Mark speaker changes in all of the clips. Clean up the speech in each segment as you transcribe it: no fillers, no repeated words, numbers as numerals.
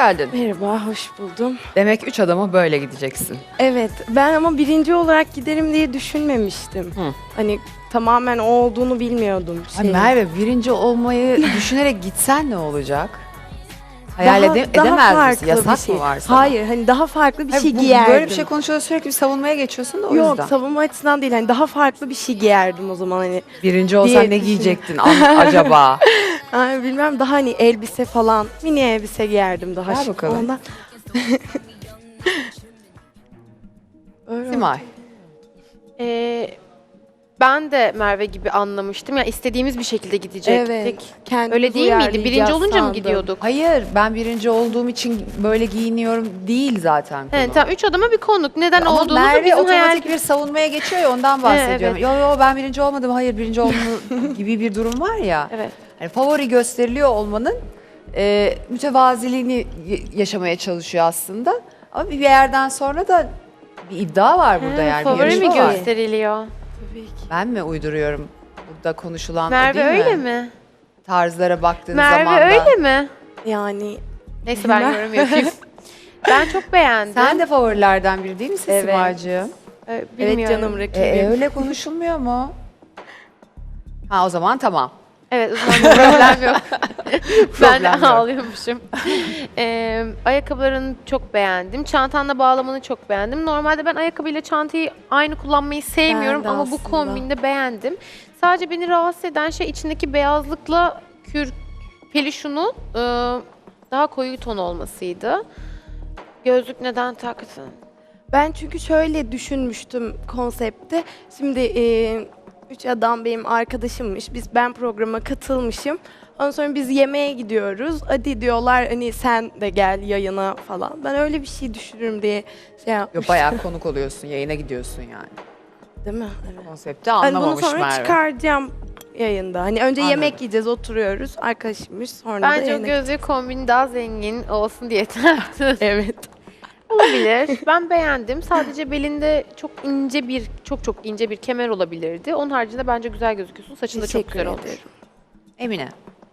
Speaker 1: geldin.
Speaker 2: Merhaba, hoş buldum.
Speaker 1: Demek 3 adama böyle gideceksin.
Speaker 2: Evet, ben ama birinci olarak giderim diye düşünmemiştim.
Speaker 1: Hı.
Speaker 2: Hani tamamen o olduğunu bilmiyordum.
Speaker 1: Ay Merve, birinci olmayı düşünerek gitsen ne olacak? Hayal edemez misin?
Speaker 2: farklı
Speaker 1: Yasak
Speaker 2: bir şey.
Speaker 1: mı var sana?
Speaker 2: Hayır, hani daha farklı bir
Speaker 1: Hayır,
Speaker 2: şey
Speaker 1: bu-
Speaker 2: giyerdim.
Speaker 1: Böyle bir şey konuşuyoruz, sürekli bir savunmaya geçiyorsun da o
Speaker 2: Yok,
Speaker 1: yüzden.
Speaker 2: savunma açısından değil. Hani daha farklı bir şey giyerdim o zaman hani.
Speaker 1: Birinci olsan
Speaker 2: diye
Speaker 1: ne
Speaker 2: düşün-
Speaker 1: giyecektin acaba?
Speaker 2: Ay, bilmem daha hani elbise falan, mini elbise giyerdim daha
Speaker 1: Ver
Speaker 2: şık.
Speaker 1: bakalım.
Speaker 2: Ondan... Öyle.
Speaker 1: Simay.
Speaker 3: Ben de Merve gibi anlamıştım. Yani istediğimiz bir şekilde gidecektik.
Speaker 2: Evet. kendimiz
Speaker 3: Öyle değil miydi?
Speaker 2: uyarlayacağız
Speaker 3: Birinci olunca mı
Speaker 2: sandım.
Speaker 3: gidiyorduk?
Speaker 1: Hayır, ben birinci olduğum için böyle giyiniyorum değil zaten konu.
Speaker 3: He, tamam, 3 adama bir konuk. Neden
Speaker 1: Ama
Speaker 3: olduğumuzu
Speaker 1: Merve
Speaker 3: bizim
Speaker 1: otomatik
Speaker 3: hayal...
Speaker 1: bir savunmaya geçiyor ya ondan bahsediyorum.
Speaker 3: evet.
Speaker 1: Yo ben birinci olmadım, hayır birinci olma gibi bir durum var ya.
Speaker 3: Evet.
Speaker 1: Hani favori gösteriliyor olmanın mütevaziliğini yaşamaya çalışıyor aslında. Ama bir yerden sonra da bir iddia var burada yani. bir
Speaker 3: Favori mi
Speaker 1: yarışma var.
Speaker 3: gösteriliyor?
Speaker 2: Tabii ki.
Speaker 1: Ben mi uyduruyorum? Burada konuşulan o
Speaker 3: Merve
Speaker 1: değil
Speaker 3: öyle
Speaker 1: mi?
Speaker 3: mi?
Speaker 1: Tarzlara baktığın
Speaker 3: Merve
Speaker 1: zaman da.
Speaker 3: öyle mi?
Speaker 2: Yani
Speaker 3: Neyse ben yorum yapayım. Ben çok beğendim.
Speaker 1: Sen de favorilerden biri değil misin
Speaker 2: Evet.
Speaker 1: Simay'cığım?
Speaker 2: evet
Speaker 3: Bilmiyorum.
Speaker 2: canım rakibim.
Speaker 1: Öyle konuşulmuyor mu? Ha o zaman tamam.
Speaker 3: Evet, o zaman problem yok. Ben
Speaker 1: Problem yok.
Speaker 3: ağlıyormuşum. Ayakkabılarını çok beğendim. Çantanla bağlamanı çok beğendim. Normalde ben ayakkabıyla çantayı aynı kullanmayı sevmiyorum
Speaker 2: Ben de
Speaker 3: ama bu
Speaker 2: aslında.
Speaker 3: kombinde beğendim. Sadece beni rahatsız eden şey içindeki beyazlıkla peluşunun daha koyu ton olmasıydı. Gözlük neden taktın?
Speaker 2: Ben çünkü şöyle düşünmüştüm konsepte. Şimdi üç adam benim arkadaşımmış. Ben programa katılmışım. Ondan sonra biz yemeğe gidiyoruz. Hadi diyorlar hani sen de gel yayına falan. Ben öyle bir şey düşünürüm diye şey
Speaker 1: Yo,
Speaker 2: yapmıştım.
Speaker 1: bayağı konuk oluyorsun, yayına gidiyorsun yani.
Speaker 2: Değil mi? Evet.
Speaker 1: Konsepti
Speaker 2: Hani bunu
Speaker 1: anlamamış
Speaker 2: sonra
Speaker 1: Merve.
Speaker 2: çıkaracağım yayında. Hani önce
Speaker 1: Anladım.
Speaker 2: yemek yiyeceğiz, oturuyoruz. Arkadaşımmış. Sonra da
Speaker 3: Bence o
Speaker 2: yayına
Speaker 3: gözlük kombini daha zengin olsun diye taktın.
Speaker 2: Evet.
Speaker 3: Olabilir. Ben beğendim. Sadece belinde çok çok ince bir kemer olabilirdi. Onun haricinde bence güzel gözüküyorsun. Saçın da çok
Speaker 2: Teşekkür
Speaker 3: güzel olmuş.
Speaker 2: ederim.
Speaker 1: Emine.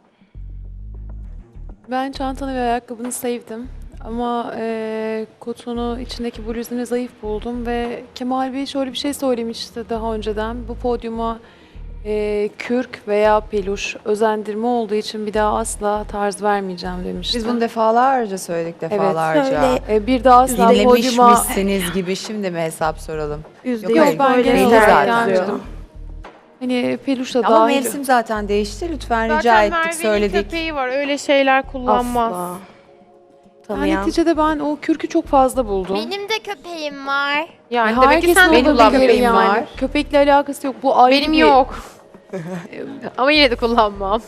Speaker 4: Ben çantanı ve ayakkabını sevdim. Ama kotunu, içindeki bluzunu zayıf buldum ve Kemal Bey şöyle bir şey söylemişti daha önceden. Bu podyuma kürk veya peluş özendirme olduğu için bir daha asla tarz vermeyeceğim demişti.
Speaker 1: Biz bunu defalarca söyledik defalarca.
Speaker 2: söyle.
Speaker 4: Bir daha asla podyuma...
Speaker 1: Dinlemişmişsiniz gibi şimdi mi hesap soralım?
Speaker 2: Yüzde
Speaker 1: Yok,
Speaker 2: yüz
Speaker 4: ben
Speaker 2: böyle
Speaker 4: genel
Speaker 1: olarak
Speaker 2: şeyler
Speaker 1: zaten.
Speaker 2: yazıyor.
Speaker 4: Hani peluş da
Speaker 1: Ama
Speaker 4: dahil.
Speaker 1: mevsim zaten değişti. Lütfen rica
Speaker 3: Zaten
Speaker 1: ettik,
Speaker 3: Merve'nin
Speaker 1: söyledik.
Speaker 3: köpeği var. Öyle şeyler kullanmaz.
Speaker 2: Asla.
Speaker 4: Yani
Speaker 2: Tanıyan.
Speaker 4: neticede ben o kürkü çok fazla buldum.
Speaker 5: Benim de köpeğim var.
Speaker 3: Yani demek ki
Speaker 4: Herkesin
Speaker 3: sen de
Speaker 1: benim
Speaker 4: olabilir
Speaker 1: köpeğim
Speaker 3: kullanmıyorsun.
Speaker 4: yani.
Speaker 1: var.
Speaker 4: Köpekle alakası yok. Bu ayrı
Speaker 3: Benim
Speaker 4: bir...
Speaker 3: yok. Ama yine de kullanmam.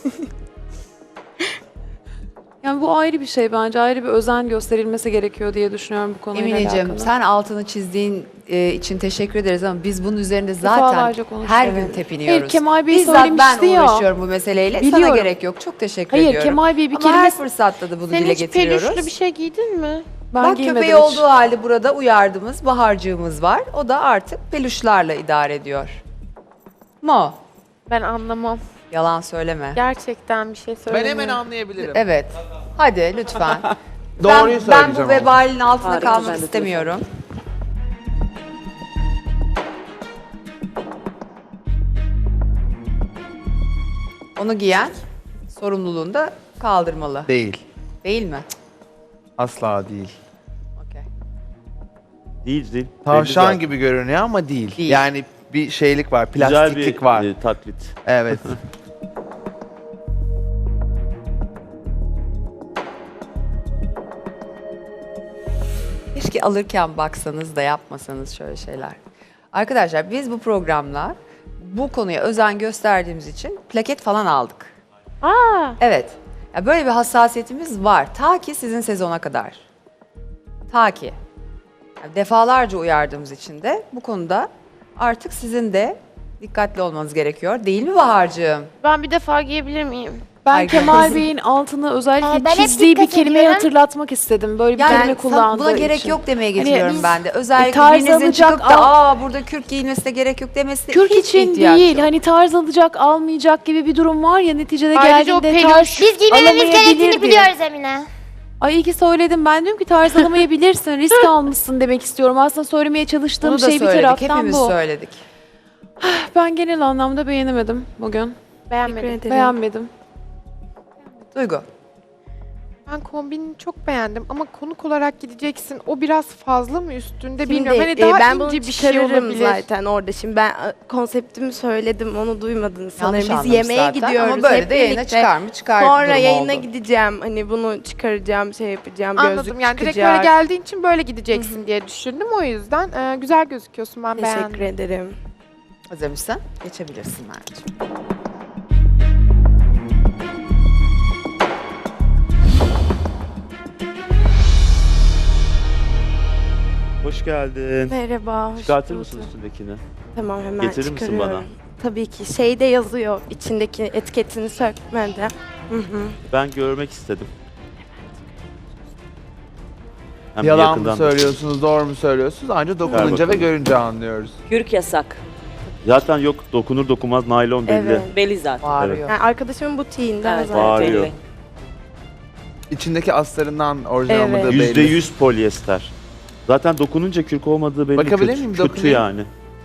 Speaker 4: Yani bu ayrı bir şey bence. Ayrı bir özen gösterilmesi gerekiyor diye düşünüyorum bu konuyla
Speaker 1: Emineciğim
Speaker 4: alakalı.
Speaker 1: sen altını çizdiğin için teşekkür ederiz ama biz bunun üzerinde zaten
Speaker 4: Defalarca konuştuk.
Speaker 1: her gün
Speaker 4: Evet.
Speaker 1: tepiniyoruz.
Speaker 4: Hayır, Kemal Bey
Speaker 1: Bizzat ben
Speaker 4: söylemişti ya.
Speaker 1: uğraşıyorum bu meseleyle. Sana
Speaker 4: Biliyorum.
Speaker 1: gerek yok. Çok teşekkür
Speaker 4: Hayır,
Speaker 1: ediyorum.
Speaker 4: Kemal Bey bir
Speaker 1: Ama
Speaker 4: kere
Speaker 1: her fırsatta da bunu
Speaker 3: Sen
Speaker 1: dile
Speaker 3: hiç
Speaker 1: getiriyoruz.
Speaker 3: peluşlu bir şey giydin mi?
Speaker 4: Ben
Speaker 1: Bak
Speaker 4: giymedim
Speaker 1: köpeği
Speaker 4: hiç.
Speaker 1: olduğu halde burada uyardığımız baharcığımız var. O da artık peluşlarla idare ediyor. Mo.
Speaker 3: Ben anlamam.
Speaker 1: Yalan söyleme.
Speaker 3: Gerçekten bir şey
Speaker 6: Ben
Speaker 3: söylemiyorum.
Speaker 6: hemen anlayabilirim.
Speaker 1: Evet. Hadi lütfen.
Speaker 6: Doğruyu
Speaker 1: ben bu
Speaker 6: söyleyeceğim ama.
Speaker 1: vebalin altında
Speaker 4: Harika,
Speaker 1: kalmak
Speaker 4: ben de
Speaker 1: istemiyorum. Onu giyen sorumluluğunu da kaldırmalı.
Speaker 6: Değil.
Speaker 1: Değil mi?
Speaker 6: Asla değil.
Speaker 1: Okey.
Speaker 7: Değil.
Speaker 6: Tavşan
Speaker 7: Belli
Speaker 6: gibi görünüyor ama değil.
Speaker 1: Değil.
Speaker 6: Yani bir şeylik var,
Speaker 7: zaten.
Speaker 6: plastiklik
Speaker 7: Güzel bir
Speaker 6: var.
Speaker 7: taklit.
Speaker 6: Evet.
Speaker 1: Keşke alırken baksanız da yapmasanız şöyle şeyler. Arkadaşlar biz bu programla bu konuya özen gösterdiğimiz için plaket falan aldık.
Speaker 3: Aa,
Speaker 1: Evet. Ya böyle bir hassasiyetimiz var. Ta ki sizin sezona kadar. Ta ki. Yani defalarca uyardığımız için de bu konuda artık sizin de dikkatli olmanız gerekiyor. Değil mi Bahar'cığım?
Speaker 3: ben bir defa giyebilir miyim?
Speaker 4: Ben
Speaker 1: Harika.
Speaker 4: Kemal Bey'in altını özellikle
Speaker 5: Ben hep
Speaker 4: çizdiği bir
Speaker 5: dikkat
Speaker 4: kelimeyi
Speaker 5: ediyorum.
Speaker 4: hatırlatmak istedim. Böyle bir
Speaker 1: Yani
Speaker 4: kelime kullandığı
Speaker 1: buna gerek
Speaker 4: için.
Speaker 1: yok demeye
Speaker 4: Hani
Speaker 1: getiriyorum
Speaker 4: biz-
Speaker 1: ben de. Özellikle
Speaker 4: tarz
Speaker 1: birinizin
Speaker 4: alacak,
Speaker 1: çıkıp da burada kürk giyilmesine gerek yok demesi
Speaker 4: Kürk
Speaker 1: hiç
Speaker 4: için
Speaker 1: ihtiyaç
Speaker 4: değil.
Speaker 1: yok.
Speaker 4: Hani tarz alacak, almayacak gibi bir durum var ya neticede
Speaker 3: Ayrıca o
Speaker 4: geldiğinde
Speaker 3: peluş-
Speaker 4: tarz
Speaker 5: Biz giymememiz
Speaker 4: alamayabilir
Speaker 5: gerektiğini
Speaker 4: diye.
Speaker 5: biliyoruz Emine.
Speaker 4: Ay iyi ki söyledim. Ben diyorum ki tarz alamayabilirsin. Risk almışsın demek istiyorum. Aslında söylemeye çalıştığım
Speaker 1: Bunu da
Speaker 4: şey bir
Speaker 1: söyledik.
Speaker 4: taraftan
Speaker 1: Hepimiz
Speaker 4: bu.
Speaker 1: söyledik.
Speaker 4: Ben genel anlamda beğenemedim bugün.
Speaker 3: Beğenmedim.
Speaker 2: Teşekkür ederim.
Speaker 4: Beğenmedim.
Speaker 1: Duygu.
Speaker 3: Ben kombini çok beğendim ama konuk olarak gideceksin. O biraz fazla mı üstünde
Speaker 2: Şimdi,
Speaker 3: bilmiyorum. Hani daha
Speaker 2: ben
Speaker 3: ince
Speaker 2: bunu
Speaker 3: bir şey
Speaker 2: çıkarırım
Speaker 3: olabilir.
Speaker 2: zaten orada. Şimdi ben konseptimi söyledim, onu duymadınız sanırım.
Speaker 1: Yanlış
Speaker 2: Biz
Speaker 1: anlamış
Speaker 2: yemeğe
Speaker 1: zaten.
Speaker 2: gidiyoruz
Speaker 1: Ama böyle
Speaker 2: hep
Speaker 1: de yayına
Speaker 2: birlikte.
Speaker 1: çıkar mı? Çıkar
Speaker 2: Sonra
Speaker 1: durumu
Speaker 2: yayına
Speaker 1: oldu.
Speaker 2: gideceğim. Hani bunu çıkaracağım, şey yapacağım,
Speaker 3: Anladım
Speaker 2: gözlük
Speaker 3: yani direkt
Speaker 2: çıkacak.
Speaker 3: böyle geldiğin için böyle gideceksin diye düşündüm. O yüzden güzel gözüküyorsun, ben
Speaker 2: Teşekkür
Speaker 3: beğendim.
Speaker 2: ederim.
Speaker 1: Hazır mısın? Geçebilirsin Mert'ciğim.
Speaker 7: Hoş geldin.
Speaker 2: Merhaba, hoş
Speaker 7: Çıkartır
Speaker 2: bulduk.
Speaker 7: mısın üstündekini?
Speaker 2: Tamam, hemen
Speaker 7: Getirir misin
Speaker 2: çıkarıyorum.
Speaker 7: bana?
Speaker 2: Tabii ki. Şeyde yazıyor, içindeki etiketini sökmeden. Hı hı.
Speaker 7: Ben görmek istedim. Hem
Speaker 6: Yalan mı
Speaker 7: yakından da-
Speaker 6: söylüyorsunuz, doğru mu söylüyorsunuz? Ancak dokununca ve
Speaker 7: bakalım.
Speaker 6: görünce anlıyoruz.
Speaker 8: Kürk yasak.
Speaker 7: Zaten yok dokunur dokunmaz naylon belli.
Speaker 2: Evet.
Speaker 8: Belli zaten.
Speaker 1: Bağırıyor.
Speaker 2: Yani arkadaşımın butiğinden
Speaker 8: Evet,
Speaker 2: zaten.
Speaker 7: Bağırıyor.
Speaker 8: belli.
Speaker 6: İçindeki astarından orijinal
Speaker 2: Evet.
Speaker 6: olmadığı belli.
Speaker 7: %100 polyester. Zaten dokununca kürk olmadığı belli.
Speaker 6: Bakabilir
Speaker 7: kötü,
Speaker 6: miyim?
Speaker 7: kötü
Speaker 6: Dokunayım.
Speaker 7: yani.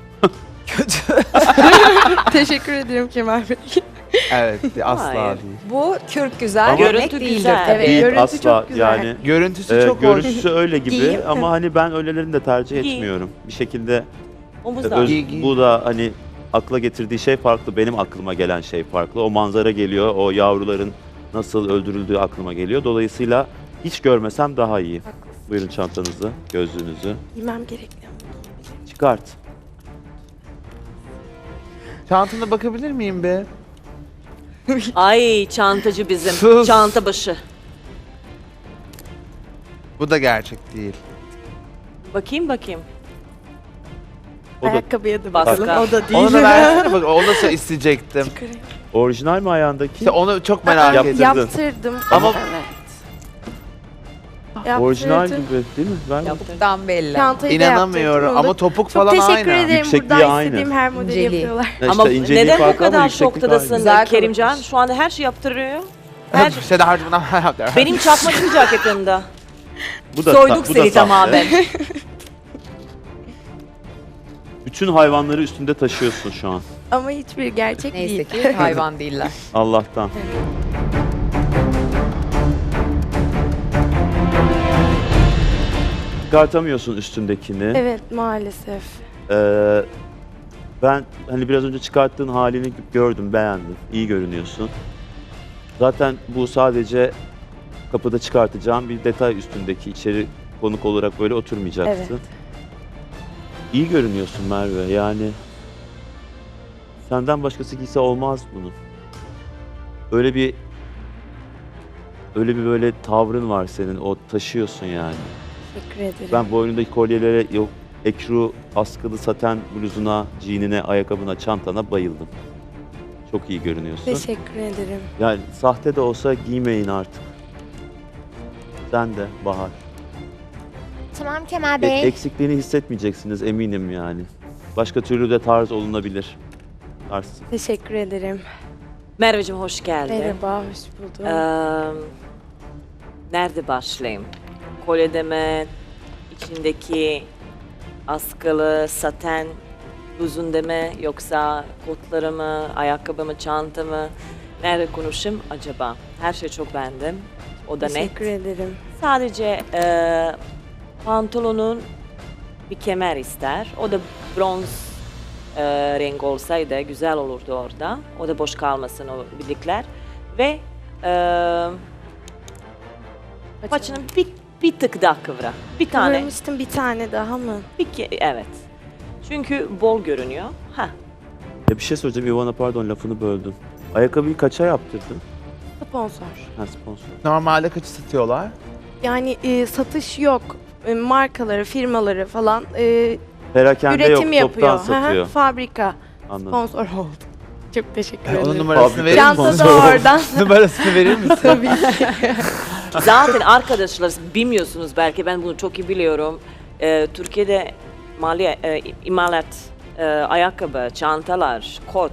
Speaker 2: Teşekkür ederim Kemal Bey.
Speaker 6: Evet, asla
Speaker 8: Hayır.
Speaker 6: değil.
Speaker 1: Bu kürk güzel
Speaker 7: Ama-
Speaker 1: demek
Speaker 8: Görüntü
Speaker 1: değildir
Speaker 8: güzel.
Speaker 1: tabii.
Speaker 2: Evet,
Speaker 7: Değil
Speaker 2: görüntü
Speaker 7: asla
Speaker 2: çok güzel.
Speaker 7: yani.
Speaker 6: Görüntüsü çok hoş.
Speaker 7: Görüntüsü öyle gibi
Speaker 2: Giyeyim.
Speaker 7: ama hani ben öylelerini de tercih
Speaker 8: Giy.
Speaker 7: etmiyorum. Bir şekilde
Speaker 8: Omuzlar.
Speaker 6: Giy, giy.
Speaker 7: bu da hani akla getirdiği şey farklı. Benim aklıma gelen şey farklı. O manzara geliyor. O yavruların nasıl öldürüldüğü aklıma geliyor. Dolayısıyla hiç görmesem daha iyi. Buyurun çantanızı, gözlüğünüzü.
Speaker 2: Giymem gerekli.
Speaker 7: Çıkart.
Speaker 6: Çantana bakabilir miyim be?
Speaker 8: Ay çantacı bizim.
Speaker 6: Sus.
Speaker 8: Çanta başı.
Speaker 6: Bu da gerçek değil.
Speaker 8: Bakayım.
Speaker 7: O da
Speaker 2: Ayakkabıya da
Speaker 8: Baska.
Speaker 2: bakalım. O da değil.
Speaker 6: Onu da versene bak, onu da isteyecektim.
Speaker 7: orijinal mi ayağındaki?
Speaker 6: İşte onu çok merak
Speaker 7: Yaptırdın.
Speaker 6: ettim.
Speaker 2: Yaptırdım.
Speaker 6: Ama-
Speaker 2: Evet. Yaptırdım.
Speaker 7: Orijinal gibi değil mi? Ver bakayım.
Speaker 1: Topuktan belli.
Speaker 2: Çantayı da
Speaker 6: İnanamıyorum
Speaker 2: yaptırdım. Onu
Speaker 6: ama
Speaker 2: da-
Speaker 6: topuk
Speaker 2: Çok
Speaker 6: falan
Speaker 2: teşekkür
Speaker 6: aynı.
Speaker 2: ederim.
Speaker 7: Yüksekliği
Speaker 2: Buradan
Speaker 7: aynı.
Speaker 2: istediğim her modeli
Speaker 1: İnceliği.
Speaker 2: yapıyorlar.
Speaker 7: Ya
Speaker 8: Ama
Speaker 7: işte inceliği
Speaker 8: neden bu
Speaker 7: farklı ama
Speaker 8: kadar
Speaker 7: yükseklik
Speaker 8: şoktadasın
Speaker 1: Güzel
Speaker 8: Kerimcan?
Speaker 1: konuşmuş.
Speaker 8: Şu anda her şey yaptırıyor. Her şey.
Speaker 6: İşte daha bundan
Speaker 8: Benim çakmacı ceketimde.
Speaker 7: Bu da
Speaker 8: Soyduk
Speaker 7: bu da
Speaker 8: seni
Speaker 7: sahte.
Speaker 8: tamamen.
Speaker 7: Bütün hayvanları üstünde taşıyorsun şu an.
Speaker 2: Ama hiçbir gerçek
Speaker 1: Neyse
Speaker 2: değil.
Speaker 1: ki hayvan değiller.
Speaker 7: Allah'tan. Çıkartamıyorsun üstündekini.
Speaker 2: Evet maalesef.
Speaker 7: Ben hani biraz önce çıkarttığın halini gördüm, beğendim. İyi görünüyorsun. Zaten bu sadece kapıda çıkartacağım bir detay üstündeki, içeri konuk olarak böyle oturmayacaksın.
Speaker 2: Evet.
Speaker 7: İyi görünüyorsun Merve. Yani senden başkası giyse olmaz bunu. Öyle bir böyle tavrın var senin. O taşıyorsun yani.
Speaker 2: Teşekkür ederim.
Speaker 7: Ben boynundaki kolyelere, yok ekru askılı saten bluzuna, jeanine, ayakkabına, çantana bayıldım. Çok iyi görünüyorsun.
Speaker 2: Teşekkür ederim.
Speaker 7: Yani sahte de olsa giymeyin artık. Sen de Bahar.
Speaker 5: Tamam Kemal Bey.
Speaker 7: Eksikliğini hissetmeyeceksiniz eminim yani. Başka türlü de tarz olunabilir. Tarz.
Speaker 2: Teşekkür ederim.
Speaker 8: Merveciğim hoş geldin.
Speaker 2: Merhaba, hoş buldum.
Speaker 8: Nerede başlayayım? Kolyede mi? İçindeki askılı saten bluzunda mı? Yoksa kotları mı? Ayakkabı mı? Çanta mı? Nerede konuşayım acaba? Her şey çok beğendim. O da net.
Speaker 2: Teşekkür ederim.
Speaker 8: Sadece pantolonun bir kemer ister. O da bronz renk olsaydı güzel olurdu orada. O da boş kalmasın o bilekler. Ve paçını bir tık daha kıvra. Bir tane.
Speaker 2: Kıvırmıştım bir tane daha mı?
Speaker 8: Evet. Çünkü bol görünüyor. Ha.
Speaker 7: Ya bir şey söyleyeceğim Ivana, pardon lafını böldüm. Ayakkabıyı kaça yaptırdın?
Speaker 2: Sponsor.
Speaker 7: Ha, sponsor.
Speaker 6: Normalde kaçı satıyorlar?
Speaker 2: Yani satış yok. Markaları, firmaları falan
Speaker 7: Perakende
Speaker 2: üretim
Speaker 7: yok, toptan
Speaker 2: yapıyor. Hı hı,
Speaker 7: satıyor.
Speaker 2: Fabrika.
Speaker 7: Anladım.
Speaker 2: Sponsor oldu. Çok teşekkür
Speaker 6: Onun
Speaker 2: ederim.
Speaker 6: numarasını
Speaker 7: Fabrika
Speaker 6: verir
Speaker 2: Çanta
Speaker 6: misin?
Speaker 2: da oradan.
Speaker 6: Numarasını verir misin?
Speaker 2: Tabii.
Speaker 8: Zaten arkadaşlar bilmiyorsunuz belki ben bunu çok iyi biliyorum. Türkiye'de imalat ayakkabı, çantalar, kot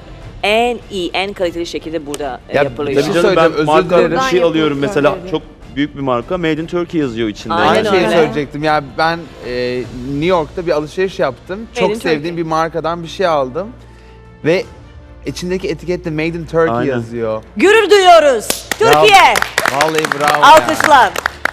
Speaker 8: en iyi, en kaliteli şekilde burada
Speaker 6: Ya,
Speaker 8: yapılıyor.
Speaker 6: bir şey
Speaker 7: Tabii canım, ben
Speaker 6: söyleyeceğim, özür
Speaker 7: marka
Speaker 6: dilerim.
Speaker 7: bir şey
Speaker 2: Buradan
Speaker 7: alıyorum
Speaker 2: yapılıyor
Speaker 7: mesela
Speaker 2: böyle.
Speaker 7: çok büyük bir marka. Made in Turkey yazıyor içinde.
Speaker 8: Aynen
Speaker 6: Aynı şeyi
Speaker 8: öyle.
Speaker 6: söyleyecektim. Ya ben New York'ta bir alışveriş yaptım.
Speaker 8: Made
Speaker 6: Çok
Speaker 8: in
Speaker 6: sevdiğim
Speaker 8: Turkey.
Speaker 6: bir markadan bir şey aldım. Ve içindeki etikette Made in Turkey
Speaker 7: Aynen.
Speaker 6: yazıyor.
Speaker 8: Gurur duyuyoruz. Türkiye.
Speaker 6: Vallahi bravo ya.
Speaker 8: Alkışlar.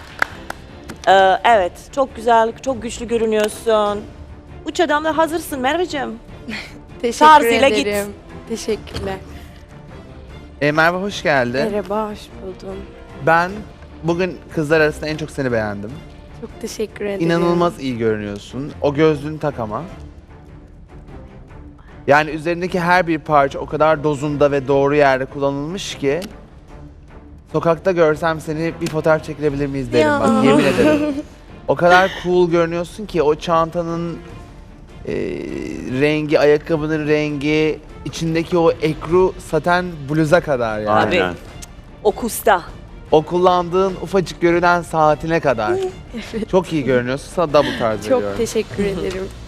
Speaker 8: Evet, çok güzel, çok güçlü görünüyorsun. Üç adamla hazırsın Merveciğim.
Speaker 2: Teşekkür
Speaker 8: Tarzıyla git.
Speaker 2: ederim. Teşekkürler.
Speaker 6: Merve hoş geldin.
Speaker 2: Merhaba, hoş buldum.
Speaker 6: Ben bugün kızlar arasında en çok seni beğendim.
Speaker 2: Çok teşekkür ederim.
Speaker 6: İnanılmaz iyi görünüyorsun. O gözlüğünü tak ama. Yani üzerindeki her bir parça o kadar dozunda ve doğru yerde kullanılmış ki sokakta görsem seni bir fotoğraf çekilebilir miyiz derim
Speaker 2: Ya.
Speaker 6: bak yemin ederim. O kadar cool görünüyorsun ki o çantanın rengi, ayakkabının rengi, içindeki o ekru saten bluza kadar yani.
Speaker 7: Aynen.
Speaker 8: O kusta.
Speaker 6: O kullandığın ufacık görünen saatine kadar. Çok iyi görünüyorsun. Sana double tarz
Speaker 2: Çok
Speaker 6: veriyorum.
Speaker 2: teşekkür ederim.